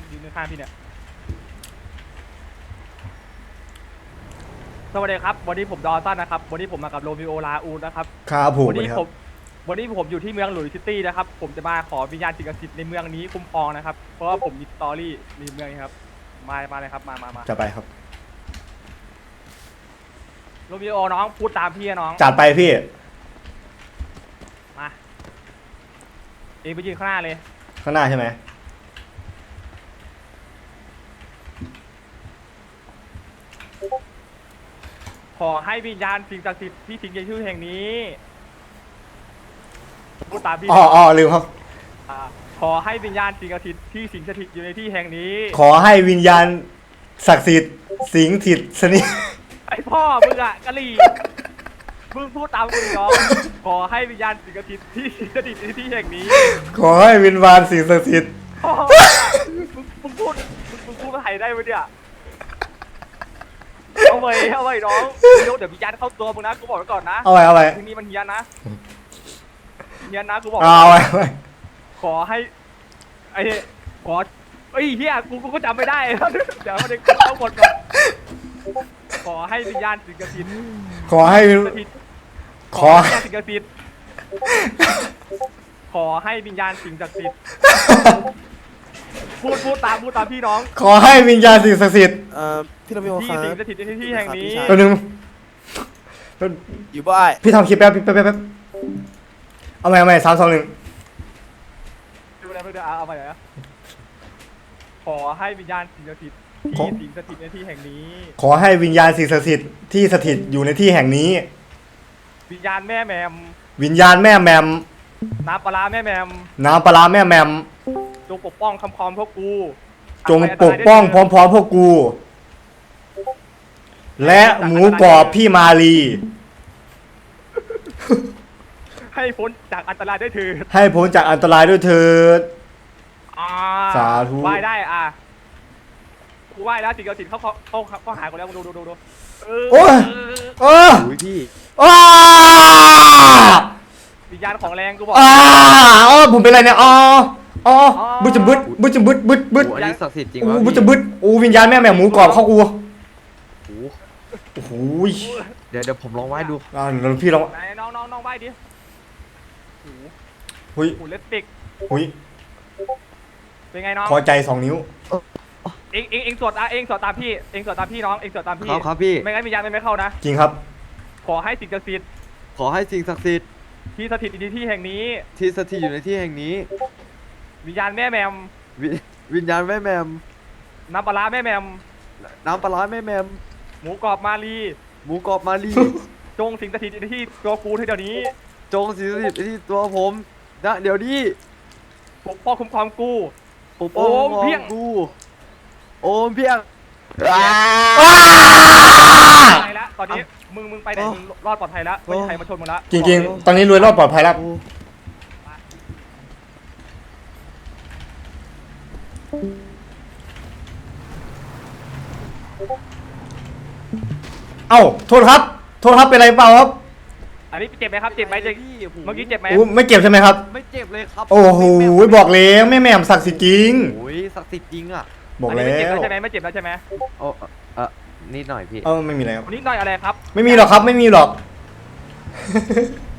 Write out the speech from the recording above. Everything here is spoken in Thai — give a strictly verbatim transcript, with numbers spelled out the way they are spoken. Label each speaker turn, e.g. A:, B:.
A: ยืนข้างพี่เนี่ยสวัสดีครับวันนี้ผมดอสันนะครับวันนี้ผมมากับโรมิโอลาอูนะครับ
B: ครับผม
A: วันนี้ผมวันนี้ผมอยู่ที่เมืองหลุยส์ซิตี้นะครับผมจะมาขอวิญญาณสิ่งศักดิ์สิทธิ์ในเมืองนี้คุ้มครองนะครับเพราะว่าผมมีสตอรี่ในเมืองนี้ครับมามาเลยครับมามามา
B: จะไปครับ
A: โรมิโอน้องพูดตามพี่น้อง
B: จัดไปพี่
A: มาเองไปยืนข้างหน้าเลย
B: ข้างหน้าใช่ไหม
A: ขอให้วิญญาณสิ่งศักดิ์สิทธิ์ที่สิงในชื่อแห่งนี้พูดตามพี่
B: อ๋ออ๋อลืมครับ
A: ขอให้วิญญาณสิ่งศักดิ์สิทธิ์ที่สิงสถิตอยู่ในที่แห่งนี้
B: ขอให้วิญญาณศักดิ์สิทธิ์สิงถิตสนิท
A: ไอพ่อมึงอะกะหรี่มึงพูดตามกูน้องขอให้วิญญาณสิ่งศักดิ์สิทธิ์ที่สิงสถิตในที่แห่งนี้
B: ขอให้วิญญาณสิ่งศักดิ์สิทธิ์
A: มึงมึงพูดมึงพูดภาษาไทยได้ไหมเนี่ยเอาไว้เอาไว้น้องเดี๋ยววิญญาณเข้าตัวมึงนะกูบอกไว้ก่อนนะ
B: เอาไว้เอาไว้
A: ทีนี้มันเฮียนนะเฮียนนะกูบอก
B: เอาไว้เอาไว้
A: ขอให้ไอ้ขอไอ้เฮียกูกูก็จำไม่ได้เดี๋ยวมันจะเข้าหมดก่อนขอให้วิญญาณสิงห์สิทธิ์
B: ขอให้
A: ขอให้สิงห์สิทธิ์ขอให้วิญญาณสิงห์ศักดิ์สิทธิ์พูดพูดตามพูดตามพี่น้อง
B: ขอให้วิญญาณสิ่งศักดิ์สิทธิ์
C: เอ่อพี่ระเบียบ
A: ที่สิงสถิตในที่แห่งนี้
B: ตัวหนึ่ง
C: อยู่บ้าน
B: พี่ทำคลิปแป๊บแป๊บแป๊บเอาใหม่เอาใหม่สามสองหนึ่ง
A: ดูแลเพื่อนเอาใหม่นะขอให้วิญญาณสิงสถิตที่สิงสถิตในที่แห่งนี้
B: ขอให้วิญญาณสิ่งศักดิ์สิทธิ์ที่สถิตอยู่ในที่แห่งนี้
A: วิญญาณแม่แมม
B: วิญญาณแม่แมม
A: น้ำปลาแม่แมม
B: น้ำปลาแม่แมม
A: จงปกป้องคำพรพวกกู
B: จงปกป้องพร้อมๆพวกกูและหมูกรอบพี่มาลี
A: ให้พ้นจากอันตรายด้วยเถิด
B: ให้พ้นจากอันตรายด้วยเถิดสาธุ
A: ไหว้ได้อ่ะกูไหว้แล้วสิ่งศักดิ์สิทธิ์เขาเขาเขาเขาหายกูแล้วดูดูดูดู
B: โอ้ยโอ้ย
C: พี่
B: อ้า
A: วิญญาณของแรงกูบอก
B: อ้าอ๋อผมเป็นอะไรเนี่ยอ๋ออ๋อบึ้ดจะบึ้ดบึ้ดจะบึ้ดบึ้ดบึ้ด
C: อันนี้ศักดิ์สิทธิ์จริง
B: วะบึ้ดจะบึ้ดโอ้วิญญาณแม่แม่หมูกรอบเข้ากูโอ้โห
C: เดี๋ยวเดี๋ยวผมลองไหว้ดู
B: อ่าเดี๋ยวพี่ลอง
A: ไหนน้องน้องน้องไหว้ดิ
B: หุย
A: หูเล็บปิก
B: หุย
A: เป็นไงน้อง
B: พอใจสองนิ้ว
A: เองเองเองสวดอ่ะเองสวดตามพี่เองสวดตามพี่น้องเองสวดตามพี่
C: ครับครับพี่
A: ไม่งั้นวิญญาณไม่เข้านะ
B: จริงครับ
A: ขอให้สิ่งศักดิ์สิทธิ์
C: ขอให้สิ่งศักดิ์สิทธิ์
A: ที่สถิตอยู่ในที่แห่งนี้
C: ที่สถิตอยู่ในที่แห่งนี้
A: วิญญาณแม่แมม
C: วิญญาณแม่แมม
A: น้ำปลาแม่แมม
C: น้ำปลาแม่แมม
A: หมูกรอบมาลี
C: หมูกรอบมาลี
A: จงสิงสถิตในที่ตัวกูเดี๋ยวนี้
C: จงสิงสถิตในที่ตัวผมนะเดี๋ยวนี้
A: ปกป้องคุ้มครองกู
C: ปกป้องเพียงกูโอมเพียง
A: ไปแล้วตอนนี้มึงมึงไปไหนมึงรอดปลอดภัยแล้วไม่มีใครมาชนมึงแล้ว
B: จริงๆตอนนี้รวยรอดปลอดภัยแล้วเอ้าโทษครับโทษครับเป็นไรเปล่าครับ
A: อันนี้เจ็บไหมครับเจ็บไหมเเมื่อกี้เจ็บไหม
B: ไม่เจ็บใช่ไหมครับ
C: ไม่เจ็บเลยครับ
B: โอ้โหบอกแล้วแม่แม่ศักดิ์สิทธิ์จริง
C: โอ้ยศักดิ์สิทธิ์จริงอ่ะ
B: บอกแล้ว
A: ไม่เจ็บแล้วใช่ไหมไม่เจ็บแล้วใช่ไหม
C: โอ้เออนิดหน่อยพี่
B: เออไม่มีอะไรครับ
A: นิดหน่อยอะไรครับ
B: ไม่มีหรอกครับไม่มีหรอก